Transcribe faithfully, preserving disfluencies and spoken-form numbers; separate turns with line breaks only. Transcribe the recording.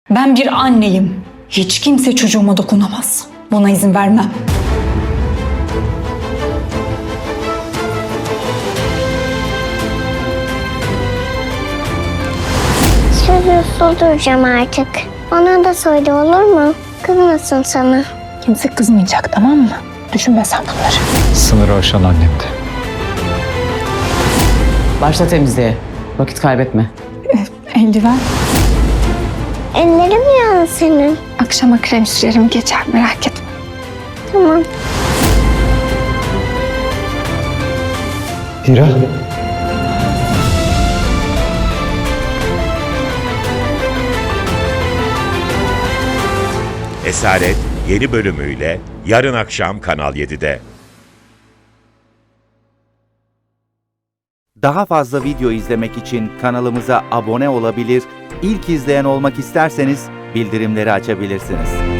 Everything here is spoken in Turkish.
Ben bir anneyim. Hiç kimse çocuğuma dokunamaz. Buna izin vermem.
Söz usul duracağım artık. Bana da söyle, olur mu? Kızmasın sana.
Kimse kızmayacak, tamam mı? Düşünme sen bunları.
Sınırı aşan annemdi.
Başla temizliğe. Vakit kaybetme.
Eldiven.
Ellerim yandı senin.
Akşama krem sürerim, geçer, merak etme.
Tamam.
Hira.
Esaret yeni bölümüyle yarın akşam Kanal yedide.
Daha fazla video izlemek için kanalımıza abone olabilir, ilk izleyen olmak isterseniz bildirimleri açabilirsiniz.